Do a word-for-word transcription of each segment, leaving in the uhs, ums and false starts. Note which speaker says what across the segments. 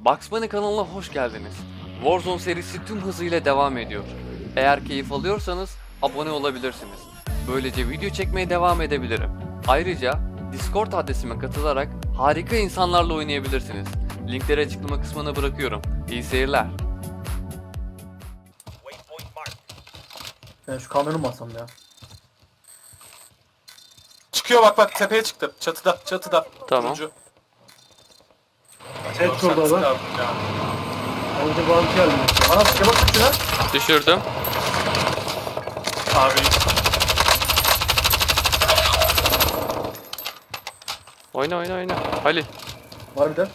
Speaker 1: Bugs Bunny kanalına hoş geldiniz. Warzone serisi tüm hızıyla devam ediyor. Eğer keyif alıyorsanız abone olabilirsiniz. Böylece video çekmeye devam edebilirim. Ayrıca Discord adresime katılarak harika insanlarla oynayabilirsiniz. Linkleri açıklama kısmına bırakıyorum. İyi seyirler.
Speaker 2: Ben şu kamerayı mı alsam ya?
Speaker 3: Çıkıyor bak bak tepeye çıktı. Çatıda çatıda.
Speaker 1: Tamam.
Speaker 3: Turuncu.
Speaker 2: Evet şurada
Speaker 3: Saksı
Speaker 2: lan.
Speaker 3: kaldı ya.
Speaker 2: Önce bantı geldi. Ana sıkı bak şuna.
Speaker 1: Düşürdüm.
Speaker 3: Abi
Speaker 1: Oyna oyna oyna. Halil.
Speaker 2: Var bir de.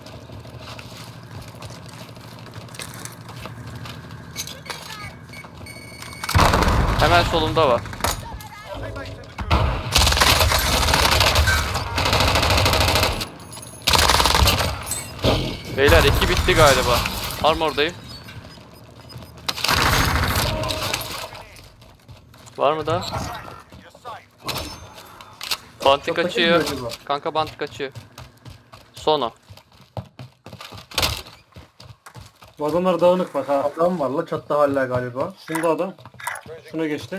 Speaker 1: Hemen solumda var. Beyler iki bitti galiba. Armordayım. Var mı da? Banti
Speaker 2: Çok da
Speaker 1: kaçıyor.
Speaker 2: kim acaba?
Speaker 1: Kanka banti kaçıyor. Sona.
Speaker 4: Bu adamlar dağınık bak ha.
Speaker 2: Adam var la çattı hala galiba.
Speaker 4: Şunda adam. Şuna geçti.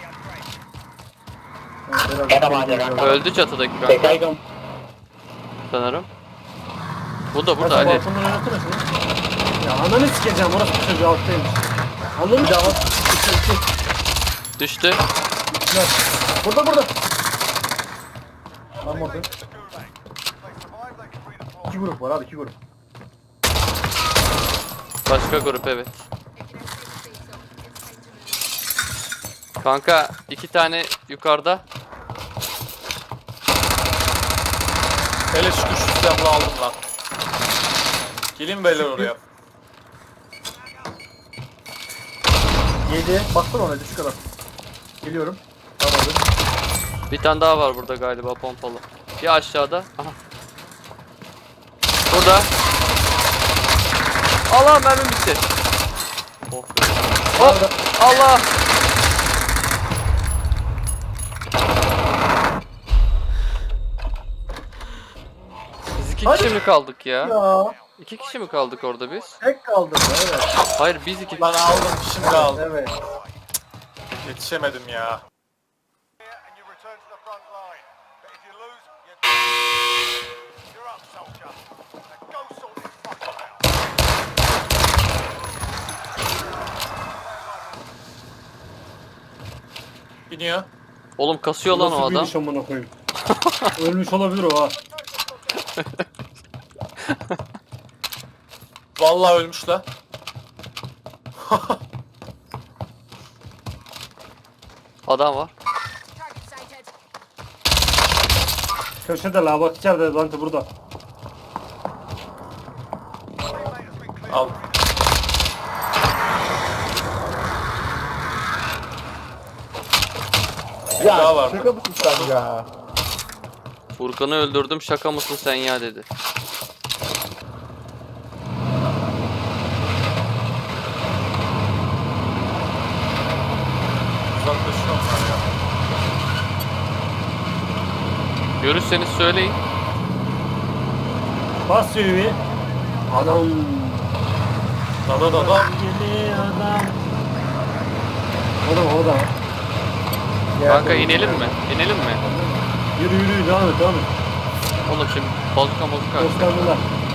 Speaker 2: Evet, herhalde.
Speaker 1: Öldü çatıdaki kanka. Sanırım. Bu da burada
Speaker 4: Burada
Speaker 1: Ali.
Speaker 4: altından oynatır mısın? Ya ananı sikeceğim orası bu çocuğu alttaymış. Anladın mı?
Speaker 2: Bir daha var. İki, iki.
Speaker 1: Düştü.
Speaker 2: Güzel. Burada burada. Tamam orada. İki grup var abi iki grup.
Speaker 1: Başka grup evet. Kanka iki tane yukarıda.
Speaker 3: hele şükür şu silahla aldım lan. Gelin beyler oraya.
Speaker 2: Yedi. Baksana ona düşük adam. Geliyorum. Tamam hadi.
Speaker 1: Bir tane daha var burada galiba pompalı. Bir aşağıda. Aha. Burada. Allah mermim bitti. Oh be. Hop. Allah. Biz iki
Speaker 2: Hadi.
Speaker 1: kişi mi kaldık ya?
Speaker 2: Ya.
Speaker 1: İki kişi mi kaldık orada biz?
Speaker 2: Tek kaldım evet.
Speaker 1: Hayır biz iki
Speaker 3: Lan aldım şimdi aldım.
Speaker 2: Evet.
Speaker 3: Yetişemedim ya.
Speaker 5: and you return to the front line. But if you lose, you're, you're up, soldier. Now go sort this fucker out.
Speaker 3: Biniyor.
Speaker 1: Oğlum kasıyor lan o
Speaker 4: Nasıl bir
Speaker 1: adam.
Speaker 4: iş amına koyayım. Ölmüş olabilir o ha.
Speaker 3: Vallahi ölmüş la.
Speaker 1: Adam var.
Speaker 4: Köşede la bak içeride Dante burada.
Speaker 3: Al. Bir daha var.
Speaker 2: Şaka mısın sen ya?
Speaker 1: Furkan'ı öldürdüm şaka mısın sen ya dedi.
Speaker 3: Uzaklaşıyor onlar ya.
Speaker 1: Görürseniz söyleyin.
Speaker 4: Bas üyeyi. Adam.
Speaker 3: Da da da da.
Speaker 4: Geli adam. Adam orada.
Speaker 1: Kanka inelim mi? İnelim mi?
Speaker 4: Yürü yürü devam et devam et.
Speaker 1: Oğlum şimdi bazuka bazuka.
Speaker 4: Gösterdiler.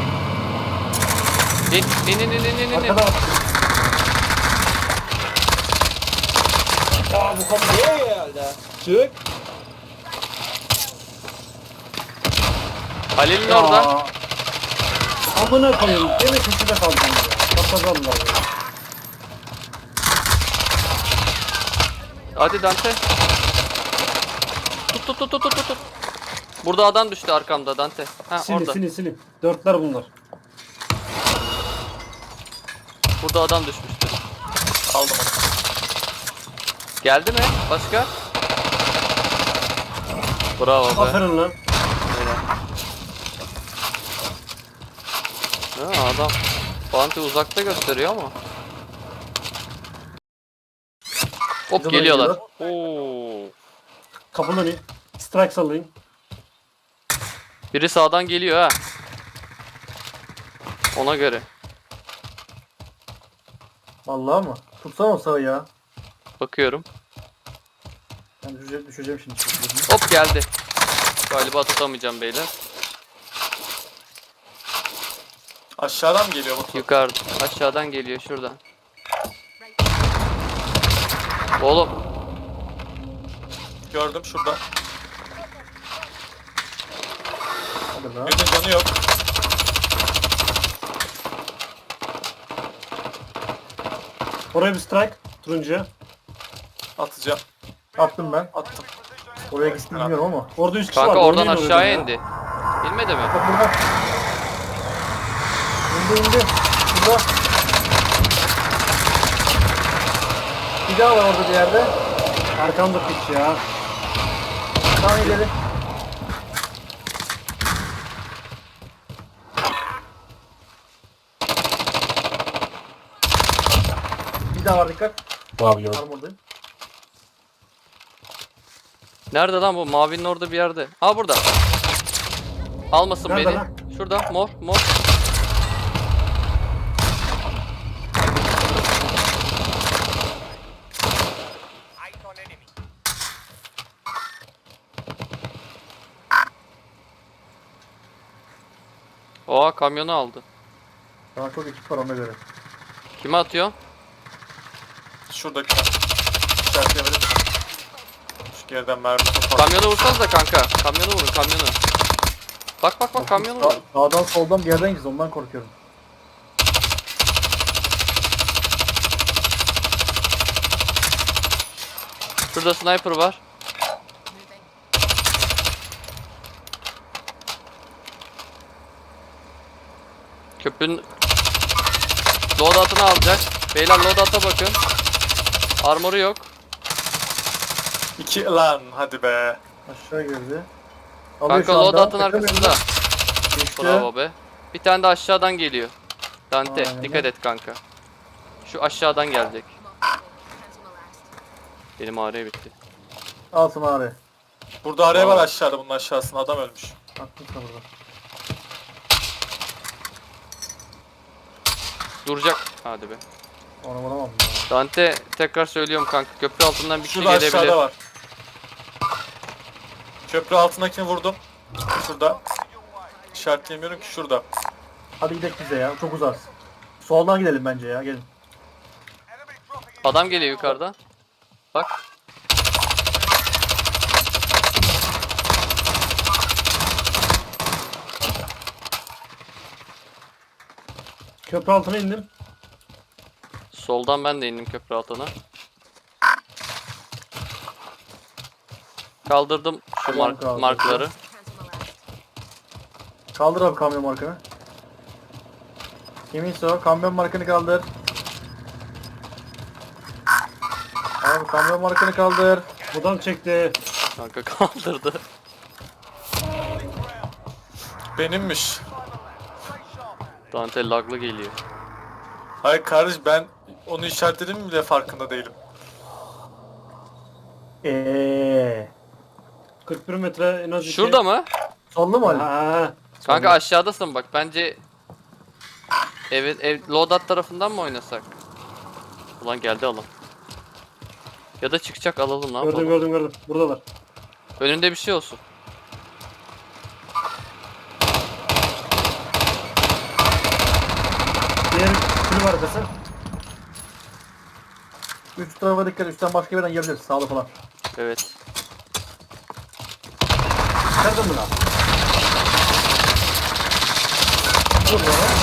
Speaker 1: İn in in in in in in.
Speaker 4: Arkada bak.
Speaker 6: Ja, wo kommt der her, Alter? Çık.
Speaker 1: Halil'in orada.
Speaker 4: Aa. Amına koyayım. Gene köşede kaldım ya. Kapatalım ya.
Speaker 1: Hadi Dante. Tut tut tut tut tut tut. Burada adam düştü arkamda Dante. Ha
Speaker 4: Silin
Speaker 1: orada.
Speaker 4: silin silin. Dörtler bunlar.
Speaker 1: Burada adam düşmüştü.
Speaker 3: Aldım onu.
Speaker 1: Geldi mi? Başka? Bravo be.
Speaker 4: Aferin lan.
Speaker 1: Aynen. Ha, adam Bounty uzakta gösteriyor ama. Hop
Speaker 2: Bizim
Speaker 1: geliyorlar. Oo.
Speaker 4: Kapıdan in. Strike sallayın.
Speaker 1: Biri sağdan geliyor ha. Ona göre.
Speaker 2: Vallahi mı? Tutsana o sağı ya.
Speaker 1: Bakıyorum.
Speaker 2: Ben düşeceğim, düşeceğim şimdi.
Speaker 1: Hop geldi. Galiba tutamayacağım beyler.
Speaker 3: Aşağıdan mı geliyor Batu?
Speaker 1: Yukarı aşağıdan geliyor şuradan. Oğlum
Speaker 3: Gördüm şurada.
Speaker 2: Hadi lan.
Speaker 3: Birinin canı yok.
Speaker 4: Oraya bir strike. Turuncu.
Speaker 3: Atacağım.
Speaker 2: Attım ben.
Speaker 3: Attım.
Speaker 2: Oraya gitsin bilmiyorum ama.
Speaker 4: Orada üç kişi var.
Speaker 1: kanka oradan
Speaker 4: oynayın oraya
Speaker 1: aşağıya
Speaker 4: ya.
Speaker 1: indi. İnmedi mi?
Speaker 2: Bak burada. İndi indi. Burada. Bir daha var orada bir yerde.
Speaker 4: Arkamda piç ya.
Speaker 2: Tamam ileri. Bir daha var dikkat.
Speaker 4: Abi gördüm.
Speaker 2: Armordayım.
Speaker 1: Nerede lan bu? Mavinin orada bir yerde. Ha burada. Almasın
Speaker 4: Nerede
Speaker 1: beni.
Speaker 4: lan?
Speaker 1: Şurada mor mor.
Speaker 5: Eyes on enemy.
Speaker 1: Oha kamyonu aldı.
Speaker 2: Daha çok ekip var ona göre.
Speaker 1: Kime atıyor?
Speaker 3: Şuradaki. İşaretleyemedim. Şu geriden mermi topu.
Speaker 1: Kamyonu vursanıza kanka. Kamyonu vurun kamyonu. Bak bak bak kamyonu
Speaker 2: Sağ,
Speaker 1: vurun.
Speaker 2: sağdan soldan bir yerden gideceğiz ondan korkuyorum.
Speaker 1: Şurada sniper var. Köprünün loadout'unu alacak. Beyler loadout'a bakın. Armoru yok.
Speaker 3: İki lan hadi be.
Speaker 2: Aşağı girdi. Alıyor
Speaker 1: Kanka
Speaker 2: şu anda.
Speaker 1: loadout'un
Speaker 2: Takım
Speaker 1: arkasında.
Speaker 2: önünde. Düştü.
Speaker 1: Bravo be. Bir tane de aşağıdan geliyor. Dante
Speaker 2: Aynen.
Speaker 1: dikkat et kanka. Şu aşağıdan gelecek. Benim ağrıya bitti.
Speaker 2: Alsın abi.
Speaker 3: Burada araya var
Speaker 1: Aa.
Speaker 3: aşağıda, bunun aşağısında adam ölmüş.
Speaker 2: Attım sana burada.
Speaker 1: Duracak. Hadi be.
Speaker 2: Onu vuramam ya.
Speaker 1: Dante tekrar söylüyorum kanka. Köprü altından bir kişi
Speaker 3: Şurada
Speaker 1: gelebilir.
Speaker 3: aşağıda var. Köprü altındakini vurdum. Şurada. İşaretleyemiyorum ki şurada.
Speaker 2: Hadi gidelim bize ya. Çok uzarız. Soldan gidelim bence ya. Gelin.
Speaker 5: Enemy dropping in.
Speaker 1: Adam geliyor yukarıdan. Bak.
Speaker 4: Köprü altına indim.
Speaker 1: Soldan ben de indim köprü altına. Kaldırdım şu
Speaker 2: Tamam,
Speaker 1: mark
Speaker 2: kaldırdım.
Speaker 1: markları.
Speaker 2: Kaldır abi kamyon markanı. Kiminse o. Kamyon markanı kaldır. Abi kamyon markanı kaldır.
Speaker 4: Buradan çekti.
Speaker 1: Kanka kaldırdı.
Speaker 3: Benimmiş.
Speaker 1: Dante laglı geliyor.
Speaker 3: Hayır kardeş, ben onu işaretledim bile farkında değilim.
Speaker 2: Eee.
Speaker 4: kırk bir metre en az iki.
Speaker 1: Şurada mı?
Speaker 2: Sollu mu Ali?
Speaker 4: Ha.
Speaker 1: Kanka aşağıdasın bak. Bence evet ev loadout tarafından mı oynasak? Ulan geldi alan. Ya da çıkacak alalım lan.
Speaker 4: Gördüm gördüm gördüm. Buradalar.
Speaker 1: Önünde bir şey olsun.
Speaker 4: Diğer kulüp arkası.
Speaker 2: Üç tarafa dikkat. Üstten başka bir yerden yiyebiliriz. Sağlı falan.
Speaker 1: Evet.
Speaker 4: Nerede mi lan?
Speaker 2: Dur ya.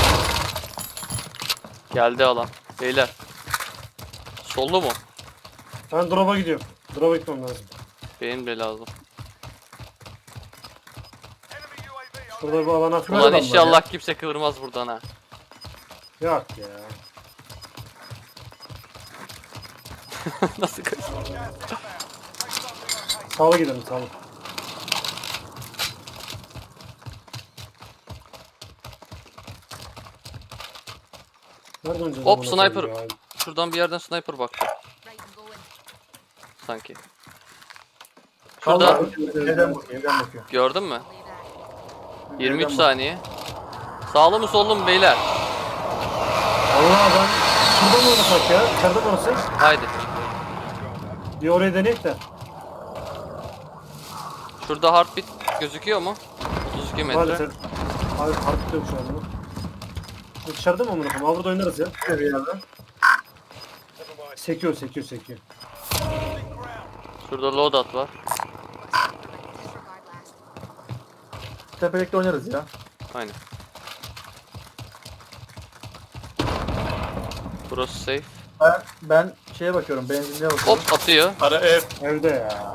Speaker 1: Geldi alan. Beyler. Sollu mu?
Speaker 4: Ben drop'a gidiyorum. Drop'a gitmem lazım.
Speaker 1: Benim de lazım.
Speaker 5: Enemy U A V on.
Speaker 4: Burada bir alana
Speaker 2: Şurada
Speaker 1: Ulan
Speaker 2: adam var
Speaker 1: inşallah kimse kıvırmaz buradan ha.
Speaker 4: Yok ya.
Speaker 1: Nasıl kaç?
Speaker 4: Sağla gidelim sağla. Nereden oynayacağız?
Speaker 1: Hop,
Speaker 4: amına
Speaker 1: sniper.
Speaker 4: koyayım ya?
Speaker 1: Şuradan bir yerden sniper baktı. Sanki.
Speaker 2: Şurada.
Speaker 1: Şurada
Speaker 2: Evden bakıyor. Evden bakıyor.
Speaker 1: gördün mü? yirmi üç
Speaker 2: Evden bak-
Speaker 1: saniye. Sağlı mı sollu mu beyler?
Speaker 4: Allah ben şurada mı oynasak ya? İçeride mi orası?
Speaker 1: Haydi.
Speaker 4: Bir oraya deneyek de.
Speaker 1: Şurada heartbeat gözüküyor mu? otuz iki metre.
Speaker 4: Maalesef. Abi harp yok şu an bunu. Dışarıda mı amına koyayım? Abi burada oynarız ya.
Speaker 2: Bir yerde.
Speaker 4: Sekiyor sekiyor sekiyor.
Speaker 1: Şurada loadout var.
Speaker 2: Tepelekte oynarız ya.
Speaker 1: Aynen. Burası safe.
Speaker 2: Ben, ben şeye bakıyorum, benzinliğe bakıyorum.
Speaker 1: Hop atıyor.
Speaker 3: Ara ev.
Speaker 4: Evde ya.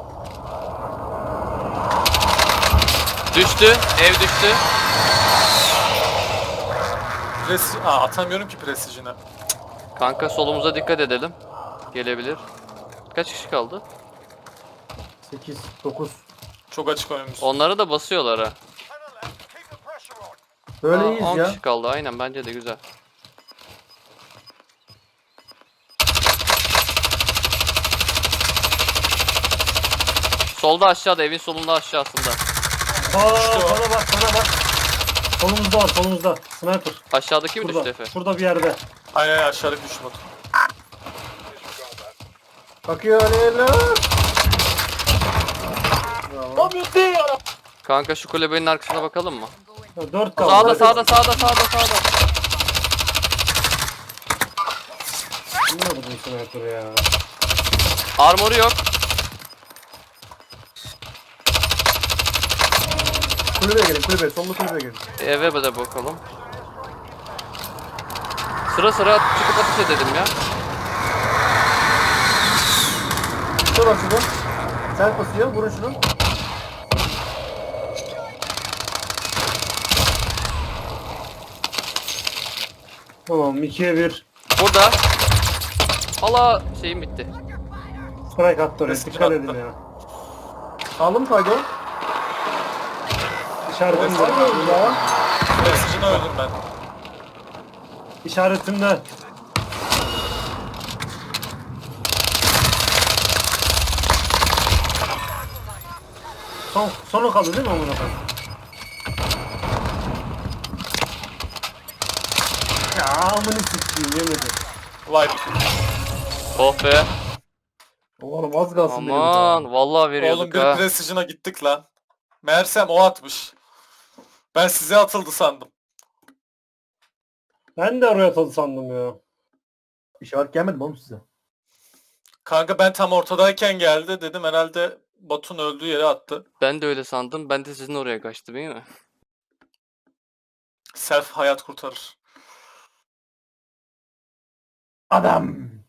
Speaker 1: Düştü. Ev düştü.
Speaker 3: Pres Aa, atamıyorum ki presijine.
Speaker 1: Kanka solumuza dikkat edelim. Gelebilir. Kaç kişi kaldı?
Speaker 2: sekiz, dokuz.
Speaker 3: Çok açık önümüz.
Speaker 1: Onları da basıyorlar ha.
Speaker 5: ten are left. Keep the pressure on.
Speaker 2: Böyle
Speaker 1: Aa,
Speaker 2: iyiyiz
Speaker 1: on
Speaker 2: ya.
Speaker 1: kişi kaldı aynen bence de güzel. Solda aşağıda evin solunda aşağısında.
Speaker 4: Aa
Speaker 3: İşte o.
Speaker 4: bana bak bana bak. Solumuzda var solumuzda. Sniper.
Speaker 1: Aşağıdaki mi düştü
Speaker 4: Şurada.
Speaker 1: Efe?
Speaker 4: Şurada bir yerde.
Speaker 3: Aynen aynen aşağıdaki düşman.
Speaker 2: Bakıyor Leyla.
Speaker 1: Kanka şu kulübenin arkasına bakalım mı?
Speaker 4: Ya, dört kaldı.
Speaker 1: Sağda
Speaker 4: Hadi.
Speaker 1: sağda sağda sağda sağda.
Speaker 4: Ne oldu bu sniper ya?
Speaker 1: Armoru yok.
Speaker 2: Kulübeye gelin, kulübeye. Sollu kulübeye gelin.
Speaker 1: Eve de bakalım. Sıra sıra çıkıp ateş edelim ya.
Speaker 2: Şurada bak şurada. Self basıyor, vurun şunu.
Speaker 4: Tamam ikiye bir.
Speaker 1: Burada. Allah şeyim bitti.
Speaker 4: Strike attı oraya.
Speaker 3: Eski
Speaker 4: Dikkat
Speaker 3: attı.
Speaker 4: edin ya.
Speaker 2: Aldım mı kaydı?
Speaker 4: İşaretimde.
Speaker 2: Almıyorum ya.
Speaker 3: Presijine öldüm ben.
Speaker 4: İşaretimde. Son, sonu kaldı değil mi amına koyayım? Ya amını sikeyim yemedi.
Speaker 3: Vay.
Speaker 1: Oh be.
Speaker 2: Oğlum az kalsın dedim
Speaker 1: Aman vallahi
Speaker 3: Oğlum
Speaker 1: veriyorduk
Speaker 3: bir
Speaker 1: ha.
Speaker 3: presijine gittik lan. Meğersem o atmış. Ben size atıldı sandım.
Speaker 4: Ben de oraya atıldı sandım ya.
Speaker 2: İşaret gelmedi mi oğlum size?
Speaker 3: Kanka ben tam ortadayken geldi dedim herhalde Batu'nun öldüğü yere attı.
Speaker 1: Ben de öyle sandım. Ben de sizin oraya kaçtım değil mi?
Speaker 3: Self hayat kurtarır.
Speaker 2: Adam.